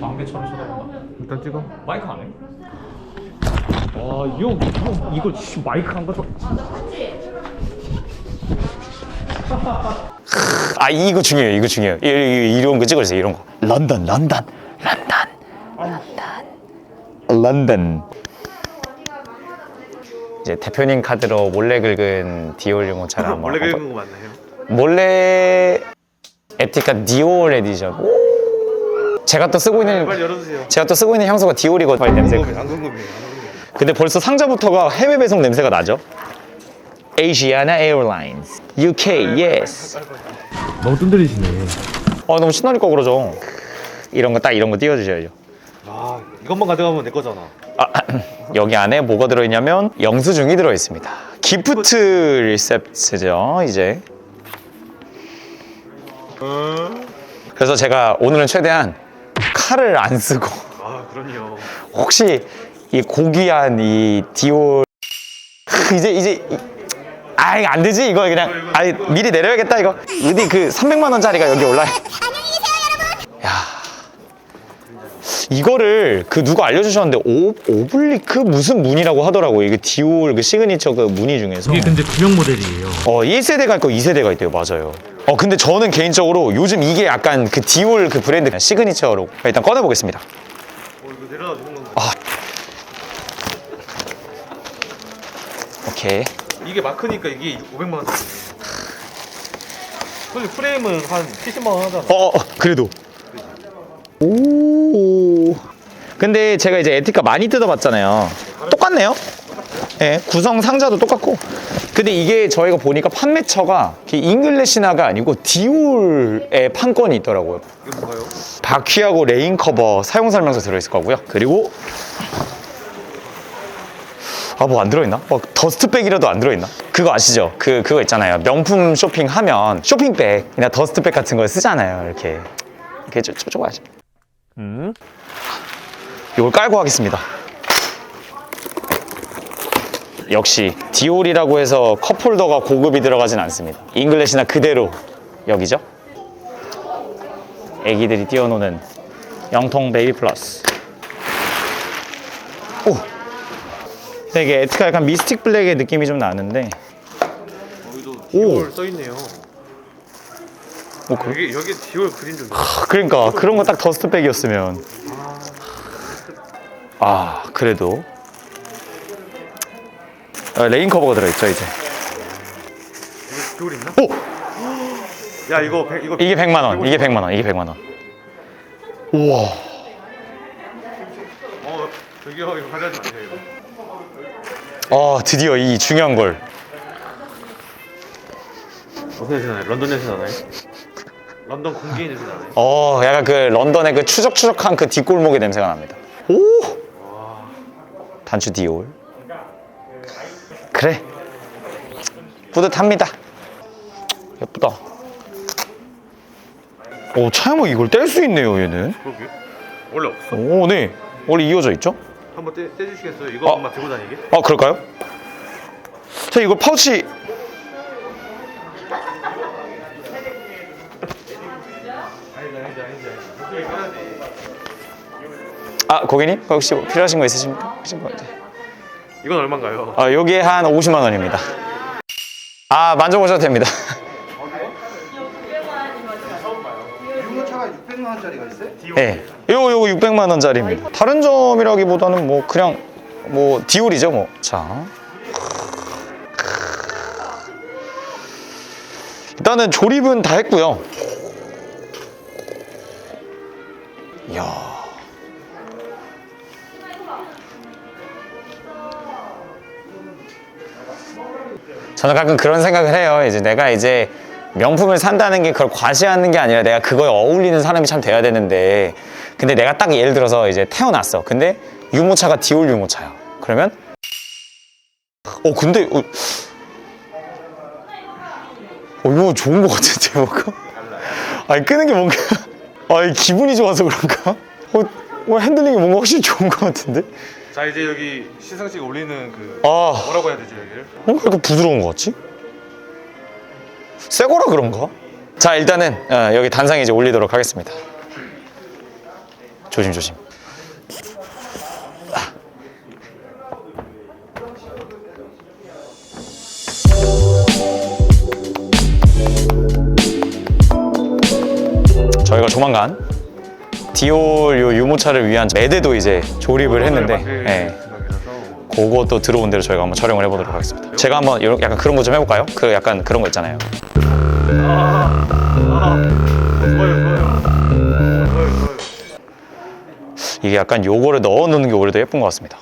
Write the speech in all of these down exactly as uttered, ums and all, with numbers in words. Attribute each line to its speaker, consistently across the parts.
Speaker 1: 광배처럼 쳐다본다.
Speaker 2: 일단 찍어.
Speaker 1: 마이크 안 해? 와, 이 형, 형 이거 마이크 안 가져.
Speaker 3: 아 이거 중요해요. 이거 중요해요. 이, 이, 이런 거 찍어주세요. 이런 거. 런던, 런던, 런던, 런던, 런던. 이제 대표님 카드로 몰래 긁은 디올 유모차를 한번.
Speaker 2: 원래 긁은 거 맞나요?
Speaker 3: 몰래 에티카 디올 에디션. 제가 또 쓰고 있는
Speaker 2: 빨리 열어주세요.
Speaker 3: 제가 또 쓰고 있는 향수가 디올이거든요. 냄새.
Speaker 2: 안 궁금해요. 안 궁금해요.
Speaker 3: 근데 벌써 상자부터가 해외 배송 냄새가 나죠? Asiana Airlines, 유케이, yes.
Speaker 2: 너무 뜸들이시네.
Speaker 3: 어 너무 신나니까 그러죠. 이런 거 딱 이런 거 띄워주셔야죠.
Speaker 2: 아, 이것만 가져가면 내 거잖아.
Speaker 3: 아, 여기 안에 뭐가 들어있냐면 영수증이 들어있습니다. 기프트 리셉트죠 이제. 그래서 제가 오늘은 최대한 칼을 안 쓰고
Speaker 2: 아, 그럼요.
Speaker 3: 혹시 이 고귀한 이 디올 이제 이제 아 이거 안 되지 이거 그냥 아 미리 내려야겠다 이거 어디 그 삼백만 원짜리가 여기 올라요. 야 이거를 그 누가 알려주셨는데 오, 오블리크 무슨 문이라고 하더라고요. 이게 디올 그 시그니처 그 무늬 중에서
Speaker 1: 이게 근데 구형 모델이에요.
Speaker 3: 어 일 세대가 있고 이 세대가 있대요. 맞아요. 어 근데 저는 개인적으로 요즘 이게 약간 그 디올 그 브랜드 시그니처로 일단 꺼내보겠습니다.
Speaker 2: 어, 이거 내려다 주는 건가?
Speaker 3: 아 오케이.
Speaker 2: 이게 마크니까 이게 오백만 원. 근데 프레임은 한 칠십만 원 하잖아.
Speaker 3: 어, 어 그래도 오 근데 제가 이제 에티카 많이 뜯어봤잖아요. 똑같네요. 예, 네, 구성 상자도 똑같고. 근데 이게 저희가 보니까 판매처가 잉글래시나가 아니고 디올의 판권이 있더라고요.
Speaker 2: 이거 뭔가요?
Speaker 3: 바퀴하고 레인 커버 사용 설명서 들어있을 거고요. 그리고 아 뭐 안 들어있나? 뭐 더스트백이라도 안 들어있나? 그거 아시죠? 그 그거 있잖아요. 명품 쇼핑하면 쇼핑백이나 더스트백 같은 거 쓰잖아요. 이렇게 이렇게 쪼쪼 하시. 음. 이걸 깔고 하겠습니다. 역시 디올이라고 해서 컵홀더가 고급이 들어가진 않습니다. 잉글래시나 그대로 여기죠. 애기들이 뛰어노는 영통 베이비 플러스. 오. 근데 이게 에티카 약간 미스틱 블랙의 느낌이 좀 나는데.
Speaker 2: 여기도
Speaker 3: 오.
Speaker 2: 디올 써있네요.
Speaker 3: 뭐 그,
Speaker 2: 여기, 여기 디올 그림 좀.
Speaker 3: 그러니까 그런 거 딱 더스트백이었으면. 아 그래도 아, 레인 커버가 들어있죠 이제.
Speaker 2: 이거 디올 있나?
Speaker 3: 오!
Speaker 2: 야, 이거, 백, 이거.
Speaker 3: 이게 백만 원. 이게 백만 원. 이게 백만 원. 우와.
Speaker 2: 어, 저기요, 이거 가져가지 마세요, 이거.
Speaker 3: 아 드디어 이 중요한 걸.
Speaker 2: 어떤 냄새 나요? 런던 냄새 나나요? 런던 공기의 냄새 나나요?
Speaker 3: 어 약간 그 런던의 그 추적추적한 그 뒷골목의 냄새가 납니다. 오! 단추 디올. 그래. 뿌듯합니다. 예쁘다. 오 차야뭐 이걸 뗄 수 있네요 얘는.
Speaker 2: 그러게. 원래 없어.
Speaker 3: 오 네. 원래 이어져 있죠?
Speaker 2: 한번 떼, 떼주시겠어요? 이거
Speaker 3: 어.
Speaker 2: 엄마 들고 다니게?
Speaker 3: 아 그럴까요? 자 이걸 파우치.
Speaker 2: 아니다, 아니다, 아니다. 이쪽에 꺼야지.
Speaker 3: 아 고객님 혹시 뭐 필요하신 거 있으십니까? 혹시 뭐 이제.
Speaker 2: 이건 얼마인가요?
Speaker 3: 아 여기에 한 오십만 원입니다. 아 만져보셔도 됩니다.
Speaker 4: 유모차가 육백만 원짜리가 있어요?
Speaker 3: 네, 요거 요거 육백만 원짜리입니다. 다른 점이라기보다는 뭐 그냥 뭐 디올이죠 뭐. 자, 일단은 조립은 다 했고요. 이야. 저는 가끔 그런 생각을 해요. 이제 내가 이제 명품을 산다는 게 그걸 과시하는 게 아니라 내가 그거에 어울리는 사람이 참 돼야 되는데, 근데 내가 딱 예를 들어서 이제 태어났어. 근데 유모차가 디올 유모차야. 그러면 어 근데 어, 어 이거 좋은 거 같은데 뭔가? 아니 끄는 게 뭔가 아니 기분이 좋아서 그런가? 어, 어 핸들링이 뭔가 확실히 좋은 거 같은데?
Speaker 2: 자, 이제 여기 시상식 올리는 그
Speaker 3: 아
Speaker 2: 뭐라고 해야 되지, 여기를?
Speaker 3: 뭔가 이렇게 부드러운 거 같지? 새 거라 그런가? 자 일단은 어, 여기 단상에 이제 올리도록 하겠습니다. 조심 조심. 저희가 조만간 디올 요 유모차를 위한 매대도 이제 조립을 했는데, 예. 그것도 들어온 대로 저희가 한번 촬영을 해보도록 하겠습니다. 제가 한번 이런 약간 그런 거 좀 해볼까요? 그 약간 그런 거 있잖아요.
Speaker 2: 아, 아, 좋아요, 좋아요. 좋아요, 좋아요.
Speaker 3: 이게 약간 요거를 넣어 놓는 게 오히려 더 예쁜 것 같습니다.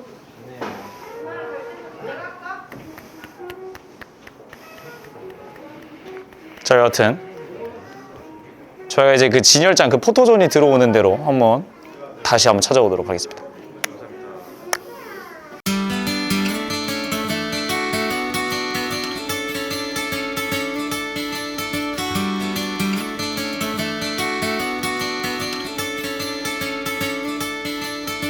Speaker 3: 자, 여하튼 저희가 이제 그 진열장 그 포토존이 들어오는 대로 한번 다시 한번 찾아오도록 하겠습니다.